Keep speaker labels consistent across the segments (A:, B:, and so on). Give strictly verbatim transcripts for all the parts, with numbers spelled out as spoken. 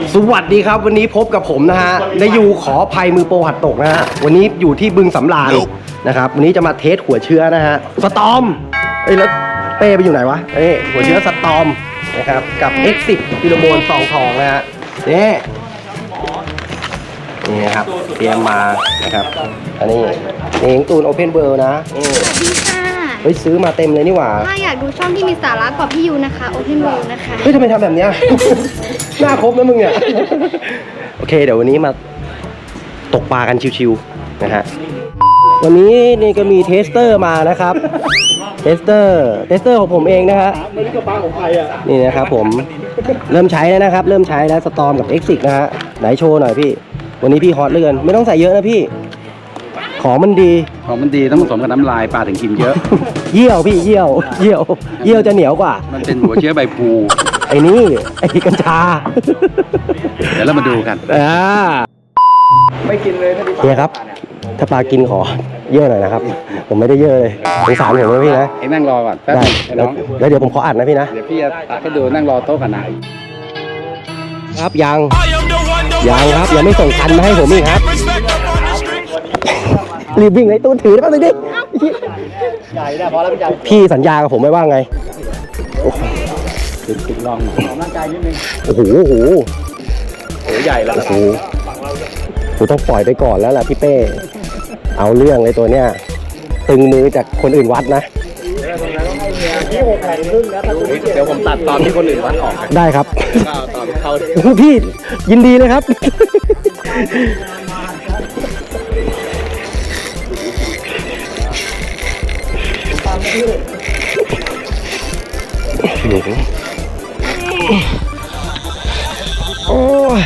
A: สวัสดีครับวันนี้พบกับผมนะฮะได้อยู่ขออภัยมือโปรหัดตกนะฮะวันนี้อยู่ที่บึงสำราญนะครับวันนี้จะมาเทสหัวเชื้อนะฮะสตอมเอ้ยแล้วเป้ไปอยู่ไหนวะเอ้ยหัวเชื้อสตอมนะครับกับ เอ็กซ์ สิบ ฟิโลโมนซองทองนะฮะนี่นี่นะครับเตรียมมานะครับอันนี้นี่ตูนโอเพนเวิลด์นะนี่
B: สวัสดีค่ะ
A: เฮ้ยซื้อมาเต็มเลยนี่หว่า
B: ถ้าอยากดูช่องที่มีสาระกว่าพี่ยูนะคะ Open World นะคะ
A: เฮ้ยทำไมทำแบบเนี้ย หน้าครบนะมึงเนี่ย โอเคเดี๋ยววันนี้มาตกปลากันชิวๆนะฮะวันนี้นี่ก็มีเทสเตอร์มานะครับ เทสเตอร์เทสเตอร์ของผมเองนะฮะนี่นะครับผมเริ่มใช้แล้วนะครับ เริ่มใช้แล้วสตอมกับ เอ็กซ์ สิบ นะฮะไหนโชว์หน่อยพี่วันนี้พี่ฮอตเลื่อนไม่ต้องใส่เยอะนะพี่ของมันดี
C: ของมันดีต้องผสมกับน้ำลายปลาถึงกินเยอะ
A: เยี่ยวพี่เยี่ยวเยี่ยวเยี่ยวจะเหนียวกว่า
C: มันเป็นหัวเชื้อใบพลู
A: ไอ้นี่ไอ้กัญชา
C: เดี๋ยวเรามาดูกัน
A: อ่าไม่กินเลยเนี่ยครับ ถ้าปลากินขอเยอะหน่อยนะครับ ผมไม่ได้เยอะเลยสงสารผมนะพี่นะ
C: ไอ้นั่งรอก่อนแป๊บ
A: ได้
C: ไอ้น้อง
A: แล้วเดี๋ยวผมขออัดนะพี่นะ
C: เดี๋ยวพี่จะตักให้ดูนั่งรอโต๊ะกันนะ
A: ครับยังยังครับยังไม่ส่งคันมาให้ผมอีกครับรีบวิ่งเลยตู้ถือได้ป่ะดิพี่สัญญากับผมไว้ว่าไง
C: ติดติดลองร่างกายนิดนึง
A: โอ้โหโอ้โห
C: โอ้ใหญ่แล้ว
A: โอ้โหกูต้องปล่อยไปก่อนแล้วล่ะพี่เป้เอาเรื่องเลยตัวเนี้ยตึงมือจากคนอื่นวัดนะ
C: เดี๋ยวผมตัดตอนที่คนอื่นวัดออก
A: ได้ครับ
C: ตอนเข้า
A: พี่ยินดีเลยครับ โอ้ย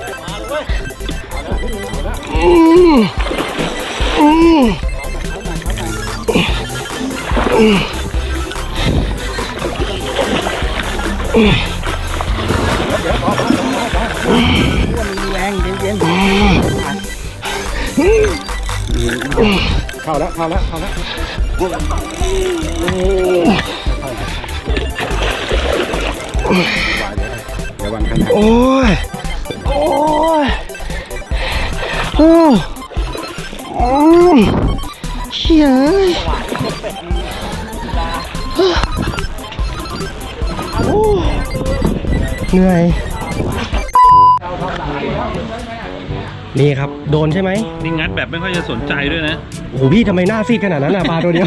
A: อืมอืมอืม
C: แรงเย็นเข้าแล้วเข้าแล้วเข้าแล้วเดี๋ยววางขนาด
A: โอ้ยโอ้ยโอ้โอ้เชี่ยโอ้เหนื่อยนี่ครับโดนใช่ไหม
D: นี่งัดแบบไม่ค่อยจะสนใจด้วยนะ
A: โอ้โหพี่ทำไมหน้าซีดขนาดนั้นน่ะปลาตัวเดียว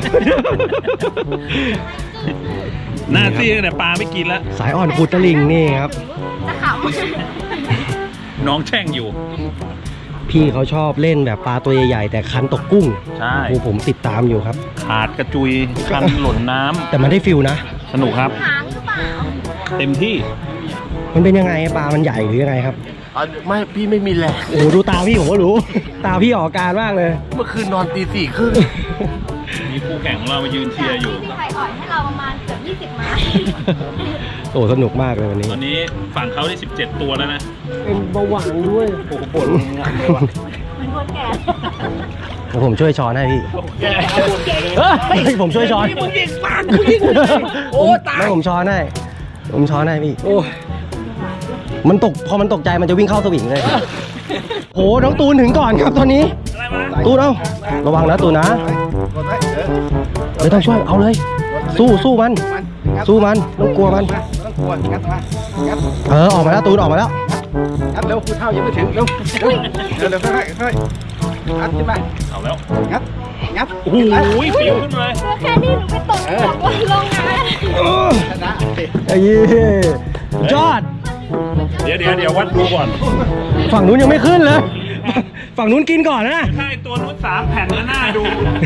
D: หน้าซีดแต่ปลาไม่กินแล้ว
A: สายอ่อนขุดตะลิงนี่ครับ
B: จะข
D: น้องแช่งอยู่
A: พี่เขาชอบเล่นแบบปลาตัวใหญ่ๆแต่คันตกกุ้ง
D: ใช่
A: โอ้ผมติดตามอยู่ครับ
D: ขาดกระจุยคันหล่นน้ำ
A: แต่มันได้ฟิลนะ
D: สนุกครับ
B: ำหางหรือเปล่า
D: เต็มที่
A: มันเป็นยังไงปลามันใหญ่หรือยังไงครับ
E: ไม่พี่ไม่มีแรง
A: โอ้โหดูตาพี่ผมก็รู้ ตาพี่ออกอาการมากเลย
E: เมื่อคืนนอนตีสี่ครึ่ง
D: มีคู่แข่งของเรามายืนเชียร์อยู่
B: พี่ไข่อ่อนให้เราประมาณเกือบยี่สิบไม้
A: โอ้สนุกมากเลยวันนี้
D: ตอนนี้ฝั่งเขาได้สิบเจ็ดตัวแล้วนะ
A: เป็นเบาหวานด้วย
D: โอ้โหปวดงานเลยว่ะ
B: มันคนแก่
A: เดี๋ยวผมช่วยช้อนให้พี่เฮ้ยผมช่วยช้อนมึงยิงปากกูยิงโอ้ตายไม่ผมช้อนให้ผมช้อนให้พี่โอ้มันตกพอมันตกใจมันจะวิ่งเข้าสวิงเลยโหน้องตูนถึงก่อนครับตอนนี้ตูนเอาระวังนะตูนนะไม่ต้องช่วยเอาเลย สู้สู้มัน สู้มันต้องกลัวมัน
C: ต้องกลัวงัดมางัด
A: เออออกมาแล้วตูนออกมาแล้ว
C: งัดเร็วคุณเท่ายังไม่ถึงเร็วเร็วเร็วเร็วค่อยค่อยงัดขึ้นมา
D: เอาแล้ว
C: งัดงัด
D: โอ้โหฟิวขึ้นมาเลย
B: เพื่อแค่นี้หนูไปตกตกบนโรงงาน
C: ชนะสิ
A: ไอ้เหี้ยยอด
D: เดี๋ยวเดี๋ยวเดี๋ยววัดดูก่อน
A: ฝั่งนู้นยังไม่ขึ้นเลย ฝั่งนู้นกินก่อนนะ
D: ถ้าไอตัวนู้นสามแผ่นแล้วหน้าดู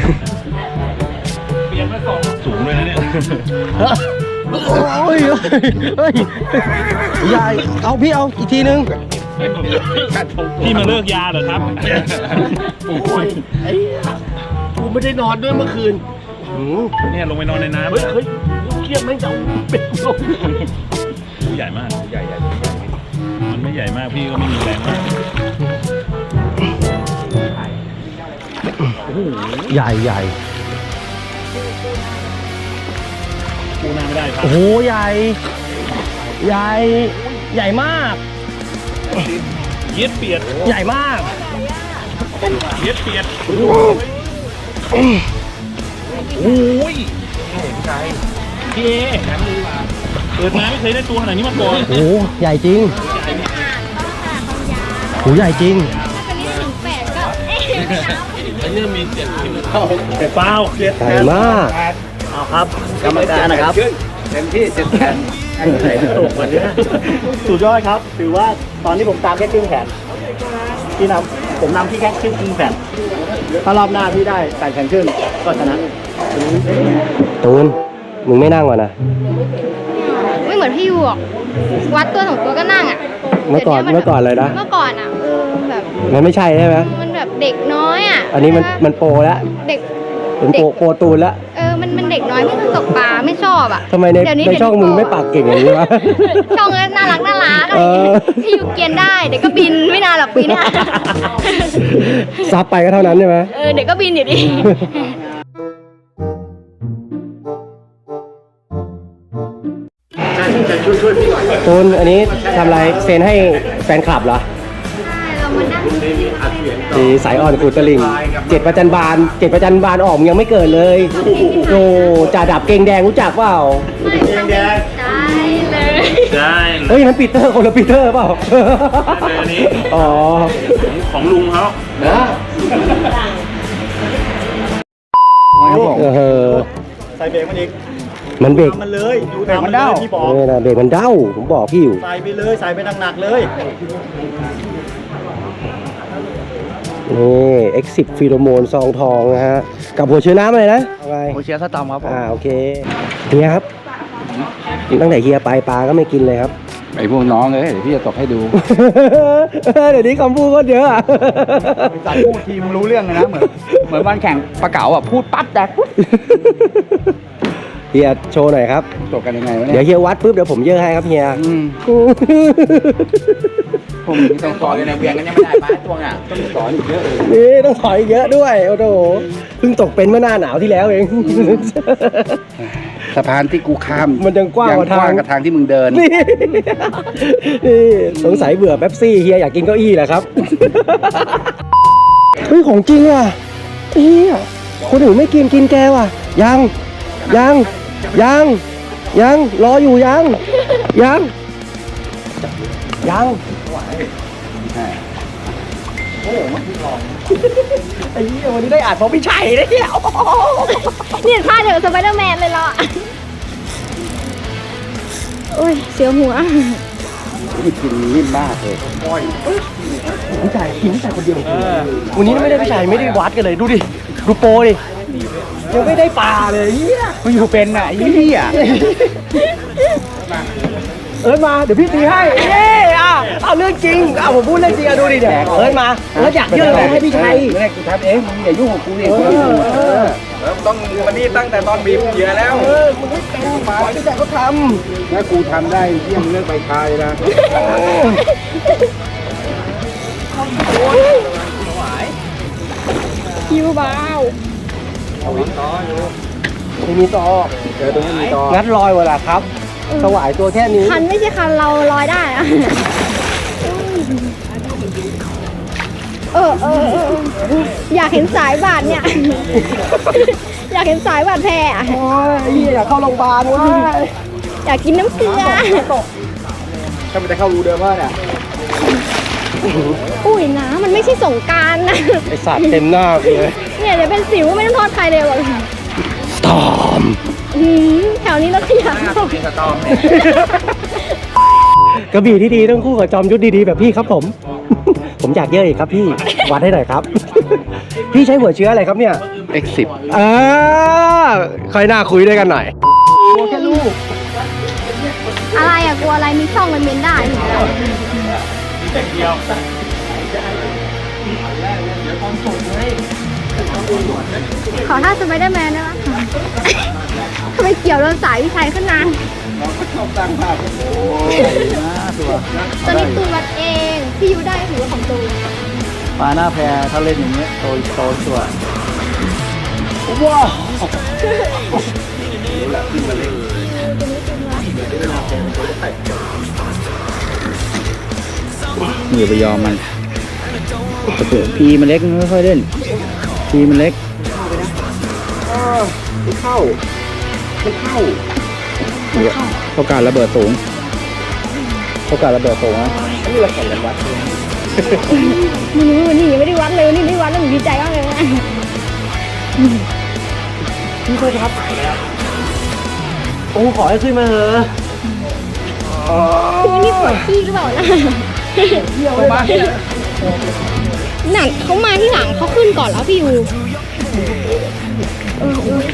D: เปลี่ยนมาสองสูงเลยนะเนี่ย
A: โอ้ยเฮ้ยใหญ่เอาพี่เอาอีกทีนึง
D: พี่มาเลิกยาเหรอครับ
E: กูไม่ได้นอนด้วยเมื่อคืน
D: เนี่ยลงไปนอนในน้ำ
E: เฮ้ยเฮ้ยเครียดไหมจะเอาเป็ดลง
D: ใหญ่มากใหญ่ใหญ่มันไม่ใหญ่มากพี่ก็ไม่มีแรงมาก
A: ใหญ่ใหญ่
D: ปูหน้าไม่ได้ครับ
A: โอ้โหใหญ่ ใหญ่ ใหญ่มาก
D: ใเย็ดเปียด
A: ใหญ่มาก
D: เย็ดเปียดโอ้ยพี่เอเปิดมาไม่เคยได้ตัวขนาดนี้มาก่อน
A: โอ้ใหญ่จริงโหใหญ่จริง
B: ถ้าเป็นนี่ถึงแปดก็เอ๊ะไม่นับ
D: แต่เปล่าเย็ด
A: ใหญ่มาก
E: เอาครับกรรมการนะครับ
C: เต็มที่เจ็ดแขน
E: ตกวันนี้สุดยอดครับ ถือว่าตอนนี้ผมตามแค่ครึ่งแขนพี่นำผมนำพี่แค่ครึ่งครึ่งแขนถ้ารอบหน้าพี่ได้แปดแขนครึ่งก็ชนะ
A: ตูนมึงไม่นั่งวะนะ
B: ไม่เหมือนพี่ยูหรอกวัดตัวสองตัวก็นั่งอ่ะ
A: เมื่อก่อน
B: ดี๋ยว
A: เมื่อก่อนเลยนะ
B: เมื่อก่อนอ่ะเออแบบ
A: มันไม่ใช่ใช่ไหม
B: มันแบบเด็กน้อยอ่ะ
A: อันนี้มัน
B: ใช่ปะ
A: มันโปรแล้ว
B: เด็ก
A: เป็นโปรโปรตูนแล้ว
B: เออมันมันเด็กน้อยไม่ตกปลาไม่ชอบอ่ะ
A: ทำไมใน
B: เดี๋ยวนี้
A: ใน
B: เดี๋ยว
A: ช่องมึงไม่ปากเก่งอย่างนี้วะ
B: ช่องก็น่ารักน่ารักอะไร
A: เออ
B: พี่ยูเกรียนได้เด็กก็บินไม่นานหรอกปีหน้า
A: ซับไปก็เท่านั้นใช่ไหม
B: เออเด็กก็บินอยู่ดี
A: ตูนอันนี้ทำอะไรเซ็นให้แฟนคลับเหรอ
B: ใช่เรามานั่ง
A: สีสายอ่อนกูตะลิงเจ็ดประจันบานเจ็ดประจันบานออกมึงยังไม่เกิดเลยโอ้จ่าดับเกงแดงรู้จักเปล่า
B: ไม่ต้องได้เลย
D: ได้
A: เฮ้ยนั้นปีเตอร์คนละปีเตอร์เปล่า
D: เลยอันนี้
A: อ๋อ
D: ของลุงเขา
A: เออ
E: ใส่เบรกมันอีก
A: มันเบรก
E: มันเลยดูตามมันเลยพี่บอก
A: นี่นะเบรกมันเด้าผมบอกพี่อยู่
E: ใส่ไปเลยใส่ไปหนักๆเลย
A: นี่เอ็กซิฟีโรโมนซองทองนะฮะกับหัวเชื้อน้ำอะไรนะอะไร
E: โอเชียสตอมครับผม
A: อ่าโอเคเฮียครับตั้งแต่เฮียไปปลาก็ไม่กินเลยครับ
C: ไอ้พวกน้องเลยเดี๋ยวพี่จะตกให้ดู
A: เดี๋ยวนี้คำพูดก็เยอะอะ
C: จัดพูดทีมรู้เรื่องเลยนะเหมือนเหมือนวันแข่งปลาเก๋าอ่ะพูดปั๊บแดกปุ๊บ
A: เฮียโชว์หน่อยครับ
C: ตกกันยังไงวะ
A: เดี๋
C: เนี่ย
A: ยวเฮียวัดปุ๊บเดี๋ยวผมเยอะให้ครับเฮีย
C: อืมผมต้องสอนในเวียงกันยังไม่ได้ปลาตัวอ่ะต้องสอนอีกเยอะเลย
A: นี่ต้องถอยเยอะด้วยโอ้โหเพิ่งตกเป็นเมื่อหน้าหนาวที่แล้วเอง
C: สะพานที่กูข้าม
A: มันยังกว้างกว่าทาง
C: กว้างกับทางที่มึงเดิน
A: นี่นี่สงสัยเบื่อเป๊ปซี่เฮียอยากกินเก้าอี้แหละครับ เฮ้ยของจริงว่ะเฮียคนอื่นไม่กินกินแกว่ะยังยังยังยังรออยู่ยังยังยังไอ้เหี้ยวันนี้ได้อ่านเพราะพี่ชัยได้เนี่ย
B: เนี่ยพลาดเถอะสไปเดอร์แมนเลยเหรอโอ้ยเสียวหัว
C: นี่กินนิ่มมากเลย
A: พี่ชัยกินพี่ชัยคนเดียววันนี้ไม่ได้พี่ชัยไม่ได้วัดกันเลยดูดิดูโปรดิยังไม่ได้ปลาเลยเฮีย
C: มึงอยู่เป็นอ่ะไอ้เหี้ย
A: เอิร์ธมาเดี๋ยวพี่ตีให้เย้อ่ะเอาเรื่องจริงเอาผมพูดเรื่องจริงอ่ะดูดิเดี๋ยวเอิร์ธมาเอิร์ธอยากยื่นอะไรให้พี่ชัย
C: ไม่ได้กูทำเองมึงอย่ายุ่งกับกูดิ
A: เออเออ
C: ต้องวันนี้ตั้งแต่ตอนบีบเหยื่อแล้ว
A: เออมึงไม่เป็นมาพี่ชัยเขาท
C: ถ้ากูทำได้เยี่ยมเรื่องใบคายนะ
B: คิวเบา
A: ำไม่มีต่อ
C: เจอตรงนี้มีต่อ
A: งัดลอยเวลาครับสวายตัวแค่นี้
B: คันไม่ใช่คันเราลอยได้อะเออเออเออเอออยากเห็นสายบาดเนี่ย อยากเห็นสายบาดแผลอะ
A: โอ้ยเฮียอยากเข้าโรงพยาบาลเว้ย
B: อยากกินน้ำเกลือ
C: ถ้ามันจะเข้ารูเดิมว่าเนี่ย
B: อุ้ยนะมันไม่ใช่สงกรารนะ
A: ไอสัตว์เต็มหน้ากูเลย
B: เนี่ยเดี๋ยวเป็นสิวไม่ต้องโทษใครเลยหรอก
A: ตอม
B: อืมแถวนี้เราขยัน
C: มีสตอมเนี่ย
A: กระบี่ที่ดีต้องคู่กับจอมยุทธดีๆแบบพี่ครับผม ผมอยากเยอะอีกครับพี่ วัดให้หน่อยครับ พี่ใช้หัวเชื้ออะไรครับเนี่ย
C: เอ็กซ์สิบ
A: อ่าค่อยหน้าคุยด้วยกันหน่อยแค่ลูก
B: อะไรอะกลัวอะไรมีช่องมันเมนได้ ขอท่าสไปเดอร์แมนได้ไหมทำไมเกี่ยวโดนสายวิชัยขึ้นนานตอนนี้ตูนวัดเอง พี่ยูได้ถือว่าของตูน
E: ปลาหน้าแพถ้าเล่นอย่างเงี้ยโตโตชัวร์
A: ว้าว
C: อย่าไปยอมมันพีมันเล็กไม่ค่อยเล่นพีมันเล็ก
A: มันเข้ามันเข้า
C: เขาการระเบิดสูงเขาการระเบิดสูงนะ
A: นี่เราแข่งกันวัด
B: ไม่รู้วันนี้ยังไม่ได้วัดเลยวันนี้ไม่ได้วัดแล้วหนูดีใจมากเลยนะ
A: พี่เพื่อนครับโอ้ขอให้ขึ้นมาเถอะ
B: คือวันนี้ปวดขี้หรือเปล่านะหนักเขามาที่หลังเขาขึ้นก่อนแล้วพี่ยูเออเออ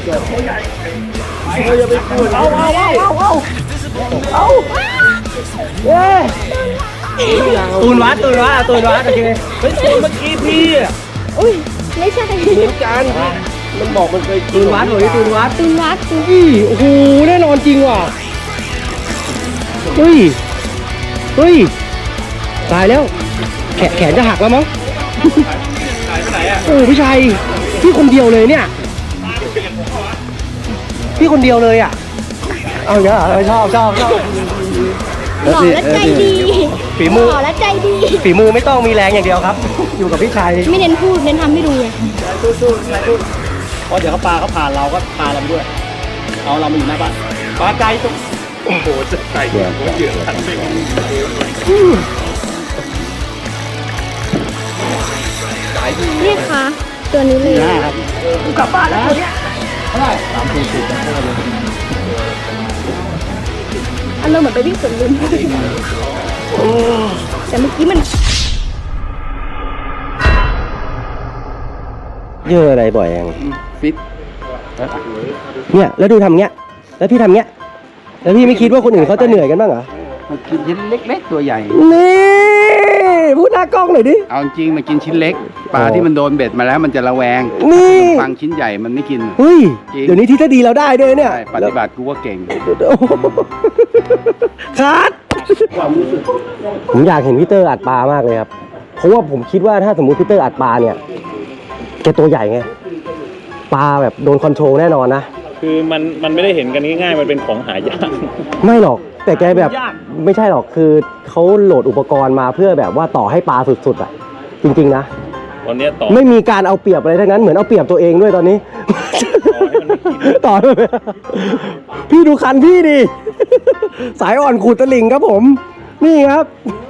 B: เอาเอาเอาเอาเอาเอาเย้ตูนวัดตูนวัดตูนวัดโอเคเฮ้ยตูนเมื่อกี้พี่อุ้ยไม่ใช่เหมือนกันมันบอกมันเคยตูนวัดหรือตูนวัดตูนวัดตูนอีโอ้โหแน่นอนจริงว่ะเฮ้ยเฮ้ยตายแล้วแขนแขนจะหักแล้วมั้งโอ้พี่ชัยพี่คนเดียวเลยเนี่ยพี่คนเดียวเลยอ่ะเอาเยอะชอบชอบชอบหล่อและใจดีฝีมือหล่อและใจดีฝีมือไม่ต้องมีแรงอย่างเดียวครับ อยู่กับพี่ชัยไม่เน้นพูดเน้นทำให้ดูเลยสู้ๆเพราะเดี๋ยวเขาปลาเขาผ่านเราก็ปลาเราด้วยเอาเรามาอยู่หน้าบ้านปลาไกลตรงโอ้โหจะไกลหัวเหยื่อทันไปนี่ค่ะตัวนี้เลยครับกลับบ้านแล้วตัวเนี้ยเท่าไหร่สามสี่สิบอารมณ์เหมือนไปวิ่งสวนลุมแต่เมื่อกี้มันเยอะอะไรบ่อยยัง
C: ฟิต
A: เนี่ยแล้วดูทำเงี้ยแล้วพี่ทำเงี้ยแล้วพี่ไม่คิดว่าคนอื่นเขาจะเหนื่อยกันบ้างเหรอ
C: มันกินชิ้นเล็กๆตัวใหญ่
A: นี่พูดหน้ากล้องหน่อยดิ
C: เอาจริงมากินชิ้นเล็กปลาที่มันโดนเบ็ดมาแล้วมันจะระแวง
A: นี่
C: ฟังชิ้นใหญ่มันไม่กิน
A: เฮ้ย
C: จริง
A: เดี๋ยวนี้ที่ถ้าดีเราได้ด้วยเนี่ย
C: ใช่ปฏิบัติกูว่าเก่ง
A: โอ้โหคัดผมอยากเห็นพี่เตอร์อัดปลามากเลยครับเพราะว่าผมคิดว่าถ้าสมมุติพี่เตอร์อัดปลาเนี่ยแกตัวใหญ่ไงปลาแบบโดนคอนโทรลแน่นอนนะ
D: คือมันมันไม่ได้เห็นกันง่ายๆมันเป็นของหายาก
A: ไม่หรอกแต่แกแบบ
D: ยาก
A: ไม่ใช่หรอกคือเขาโหลดอุปกรณ์มาเพื่อแบบว่าต่อให้ปลาสุดๆอ่ะจริงๆนะ
D: ตอนเนี้ยต่อ
A: ไม่มีการเอาเปรียบอะไรทั้งนั้นเหมือนเอาเปรียบตัวเองด้วยตอนนี้ ต่อให้มันไม่กิน พี่ดูคันพี่ดิ สายอ่อนขูดตะลิ่งครับผม นี่ครับ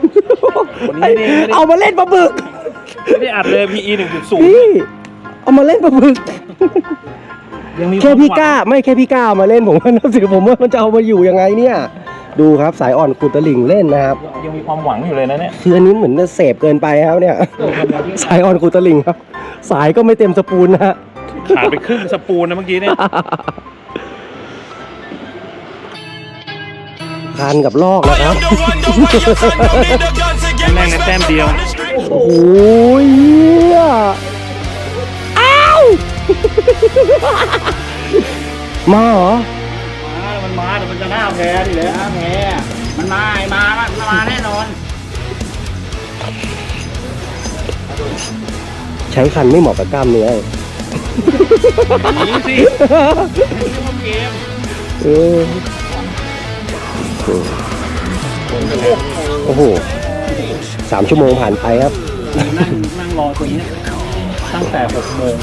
A: เอามาเล่นปลาบึก
D: ไม่ได้อัดเลย พี อี หนึ่งจุดศูนย์
A: พี่เอามาเล่นปลาบึกแค่พี่กล้าไม่แค่พี่กล้าเอามาเล่นผมว่านับถือผมว่ามันจะเอามาอยู่ยังไงเนี่ย ดูครับสายอ่อนขูดตะลิ่งเล่นนะครับ
D: ยังมีความหวังอยู่เลยนะเนี่ย
A: คืออันนี้เหมือนจะเสพเกินไปครับเนี่ย สายอ่อนขูดตะลิ่งครับ สายก็ไม่เต็มสปูนนะฮะ
D: ขาดไปครึ่งสปูนนะเมื่อกี้เนี่ย
A: คันกับลอกนะครับ
D: แม่งในแต้มเดียว
A: โอ้ยเหี้ยอ้าว มาเหรอ
E: มันมาแต่มันจะหน้าแพ้ดิเลยหน้าแพ้มันมาไอ้มามันมาแน่นอน
A: ใช้คันไม่เหมาะกับกล้ามเนื้อ
D: หนีสิ
A: เออโอ้โหสามชั่วโมงผ่านไปครับ
E: นั่งนั่งรอตัวนี้ตั้งแต่หกโมง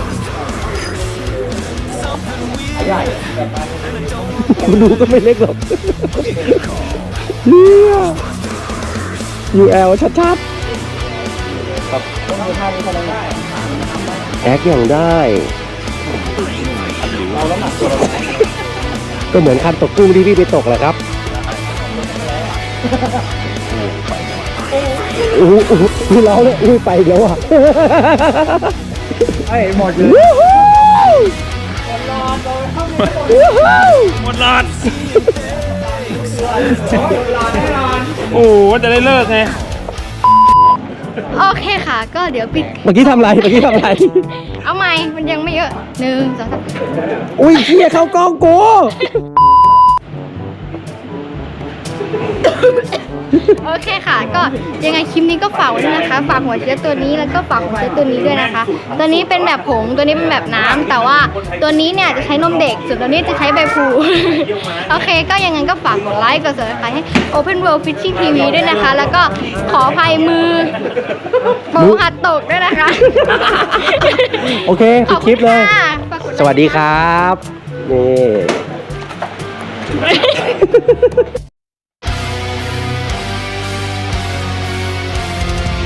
A: มันดูก็ไม่เล็กหรอกเนี่ยยูแอลชัดๆแอคอย่างได้ ก็เหมือนคันตกกุ้งที่พี่ไปตกแหละครับโอ้โหดูเราเนี่ยอุ้ยไปอีกแล้วอ่ะ
E: ไอ้หมดเลย
D: หมดหลอด โอ้โหจะได้เลิกไง
B: โอเคค่ะ ก็เดี๋ยวปิด
A: เมื่อกี้ทำอะไร เมื่อกี้ทำอะไร
B: เอาใหม่มันยังไม่เยอะหนึ่งสองสาม
A: อุ้ยเฮียเข้ากล้องกู
F: โอเคค่ะ ก็ยังไงคลิปนี้ก็ฝากไว้ด้วยนะคะ ฝากหัวเชื้อตัวนี้แล้วก็ฝากหัวเชื้อตัวนี้ด้วยนะคะ ตัวนี้เป็นแบบผง ตัวนี้เป็นแบบน้ำแต่ว่าตัวนี้เนี่ยจะใช้นมเด็ก ส่วนตัวนี้จะใช้ใบพลู โอเค ก็ยังไงก็ฝากกดไลค์ กด Subscribe ให้ Open World Fishing ที วี ด้วยนะคะ แล้วก็ขออภัยมือโปรหัดตกด้วยนะคะ
A: โอเคปิดคลิปเลย
F: ขอบณค่ะฝากกไค์
A: สวัสดีครับ นี่